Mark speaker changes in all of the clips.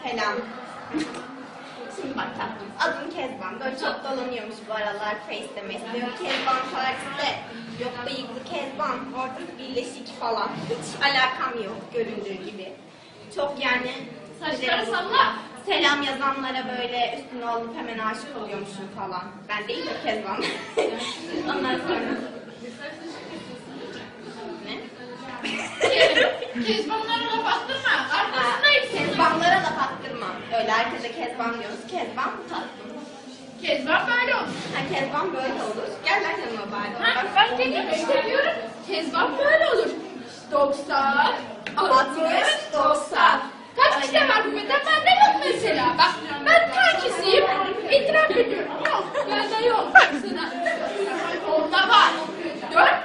Speaker 1: Selam. Şimdi bak tatlım, adım Kezban. Böyle çok dolanıyormuş bu aralar Face'de mesleğim. Kezban Paris'te. Yok bıyıklı Kezban, orada birleşik falan. Hiç alakam yok göründüğü gibi. Çok yani...
Speaker 2: Saçları salla.
Speaker 1: Selam yazanlara böyle üstüne olup hemen aşık oluyormuşum falan. Ben değil de Kezban. Ondan sonra... Ne?
Speaker 2: Kezbanlara laf attırma. Arkasındayım.
Speaker 1: Kezbanlara laf attırmam. Öyle herkese Kezban diyoruz. Kezban bu tatlım.
Speaker 2: Kezban böyle olur.
Speaker 1: Ha Kezban böyle olur. Gel lan yanıma bari.
Speaker 2: Ha, ben dediğimi istemiyorum. Kezban böyle olur. 90, 60, 90. Kaç kişi var bu beden? Bende yok mesela. Bak ben takisiyim. İtiraf ediyorum. Yok. Bende yok. Baksana. Onda var. Dön.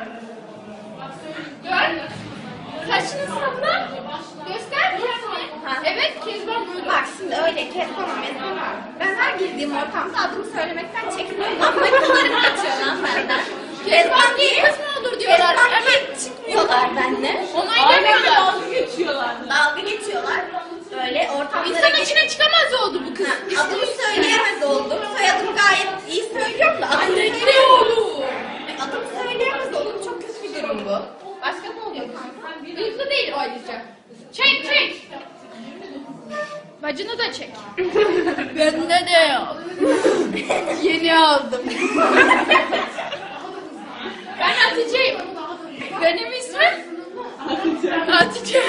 Speaker 2: Dön. Saçını salla. Göster kendini.
Speaker 1: Ha.
Speaker 2: Evet Kezban böyle olur.
Speaker 1: Bak şimdi öyle Kezban'a mesela. Ben her girdiğim ortamda adımı söylemekten çekiniyorum. Ama kızlarım kaçıyor lan benden.
Speaker 2: Kezban diye kız mı olur diyorlar.
Speaker 1: Kezban
Speaker 2: Hemen
Speaker 1: diye çıkmıyorlar benimle.
Speaker 2: onaylamıyorlar.
Speaker 1: Dalga geçiyorlar. Böyle ortamlara
Speaker 2: İnsan
Speaker 1: girip-
Speaker 2: içine çıkamaz oldu bu kız.
Speaker 1: Ha, adımı söyleyemez oldum. Soyadımı gayet iyi söylüyorum da adımı
Speaker 2: Ne olur?
Speaker 1: Adımı söyleyemez oldum. Çok kötü bir durum bu. Başka ne oluyor kanka?
Speaker 2: Bıyıklı değil ayrıca. Çek çek. Bacını da çek. Bende de yok. Yeni aldım. Ben Hatice'yim. Benim ismim Hatice.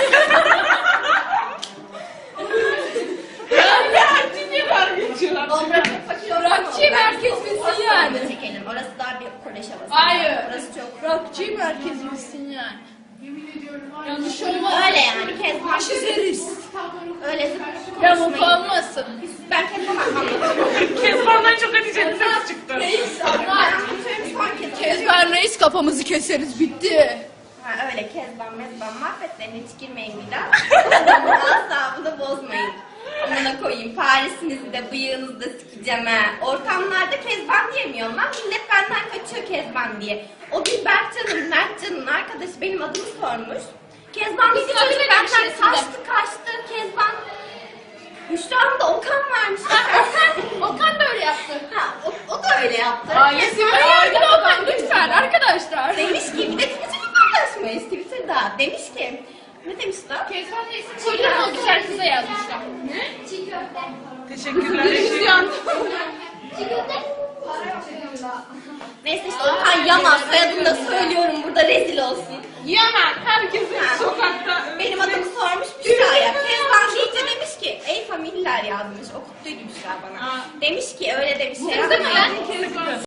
Speaker 2: Rockçı merkez misin yani?
Speaker 1: Çekelim. Orası daha bir kolej havası.
Speaker 2: Hayır.
Speaker 1: Orası çok.
Speaker 2: Rockçı merkez misin yani? Yanlış olmaz.
Speaker 1: Öyle yani. Kezban
Speaker 2: Çizeriz.
Speaker 1: öyle zıp
Speaker 2: Yamuk
Speaker 1: konuşmayın.
Speaker 2: olmasın.
Speaker 1: Ben Kezban'a anlatıyorum.
Speaker 3: Kezban'dan çok Hatice'nin sesi çıktı.
Speaker 2: Reis
Speaker 1: Ben
Speaker 2: anlar.
Speaker 1: anlatıyorum son kez.
Speaker 2: Kezban reis kafamızı keseriz bitti.
Speaker 1: Ha öyle Kezban mezban mahvetlerine hiç girmeyin bir daha. Asabını bozmayın. Amına koyayım Paris'inizi de bıyığınızı da sikeceğim ha. Ortamlarda Kezban diyemiyorum lan. Millet benden kaçıyor Kezban diye. O gün Berkcan'ın, Mertcan'ın arkadaşı benim adımı sormuş. Kezban dedi
Speaker 2: Biz
Speaker 1: çocuk
Speaker 2: öyle
Speaker 1: benden
Speaker 2: demişiz
Speaker 1: kaçtı Kezban. Müştahım da Okan varmış.
Speaker 2: Okan da öyle yaptı.
Speaker 1: Ha, o da öyle yaptı.
Speaker 2: Ailesi
Speaker 1: Kezban
Speaker 2: hayır
Speaker 1: öyle
Speaker 2: Okan lütfen arkadaşlar.
Speaker 1: demiş ki bir de Twitter'da paylaşmayız Twitter'da. Demiş ki ne demiş lan?
Speaker 2: Kezban reis'in koyduğunu o güzel kıza yazmışlar.
Speaker 3: Teşekkürler.
Speaker 1: Neyse işte Okan Yaman soyadını da söylüyorum burada rezil olsun.
Speaker 3: Yaman herkesin
Speaker 1: Ha.
Speaker 3: sokakta.
Speaker 1: Benim adımı sormuş Büşra'ya. Kezban deyince demiş ki ey familler yazmış. Okuttuydu Büşra bana. Demiş ki öyle demiş şey
Speaker 2: Kızdı mı
Speaker 1: yapmayın.
Speaker 2: lan?